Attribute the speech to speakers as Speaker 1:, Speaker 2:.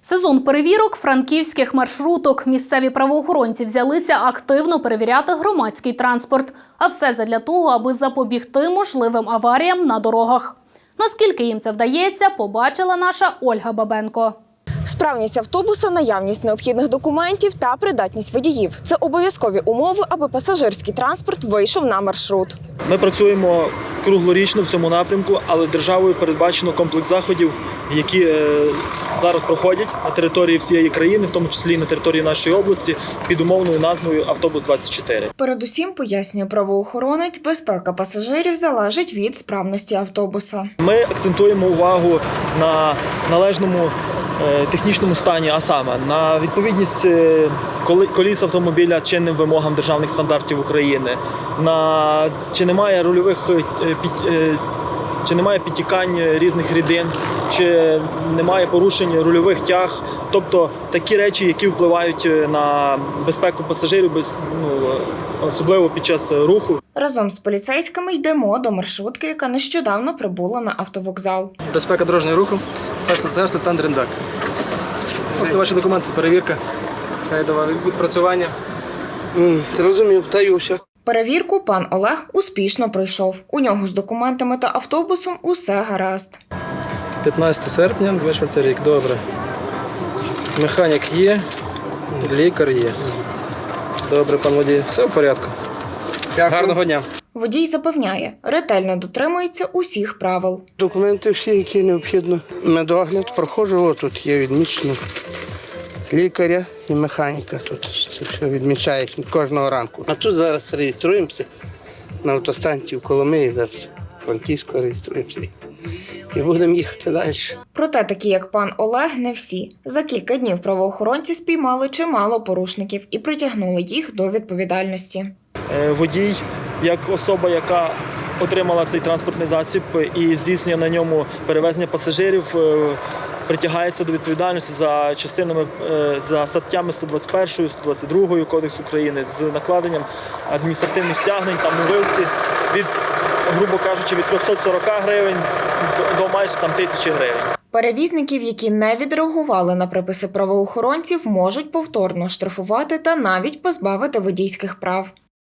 Speaker 1: Сезон перевірок франківських маршруток. Місцеві правоохоронці взялися активно перевіряти громадський транспорт. А все задля того, аби запобігти можливим аваріям на дорогах. Наскільки їм це вдається, побачила наша Ольга Бабенко.
Speaker 2: Справність автобуса, наявність необхідних документів та придатність водіїв – це обов'язкові умови, аби пасажирський транспорт вийшов на маршрут.
Speaker 3: Ми працюємо круглорічно в цьому напрямку, але державою передбачено комплекс заходів, які зараз проходять на території всієї країни, в тому числі і на території нашої області, під умовною назвою «Автобус-24».
Speaker 2: Передусім, пояснює правоохоронець, безпека пасажирів залежить від справності автобуса.
Speaker 3: Ми акцентуємо увагу на належному технічному стані, а саме на відповідність коліс автомобіля чинним вимогам державних стандартів України, на чи немає рульових чи немає підтікань різних рідин, чи немає порушень рульових тяг, тобто такі речі, які впливають на безпеку пасажирів, особливо під час руху.
Speaker 2: Разом з поліцейськими йдемо до маршрутки, яка нещодавно прибула на автовокзал.
Speaker 4: Безпека дорожнього руху, старший лейтенант Рендак. Ось ваші документи, перевірка, відпрацювання.
Speaker 5: Розумів, даюся.
Speaker 2: Перевірку пан Олег успішно пройшов. У нього з документами та автобусом усе гаразд.
Speaker 4: 15 серпня, 24 рік, добре. Механік є, лікар є. Добре, пан водій, все в порядку.
Speaker 5: Дякую.
Speaker 4: Гарного дня.
Speaker 2: Водій запевняє, ретельно дотримується усіх правил.
Speaker 5: Документи всі, які необхідно. Медогляд проходжу, тут є відмічено лікаря і механіка. Тут це все відмічають кожного ранку. А тут зараз реєструємося на автостанції в Коломиї, зараз Франківську реєструємося. І будемо їхати далі.
Speaker 2: Проте такі, як пан Олег, не всі. За кілька днів правоохоронці спіймали чимало порушників і притягнули їх до відповідальності.
Speaker 3: Водій, як особа, яка отримала цей транспортний засіб і здійснює на ньому перевезення пасажирів, притягається до відповідальності за статтями 121, 122 Кодексу України з накладенням адміністративних стягнень та мовилці від, грубо кажучи, від 340 гривень до майже 1000 гривень.
Speaker 2: Перевізників, які не відреагували на приписи правоохоронців, можуть повторно штрафувати та навіть позбавити водійських прав.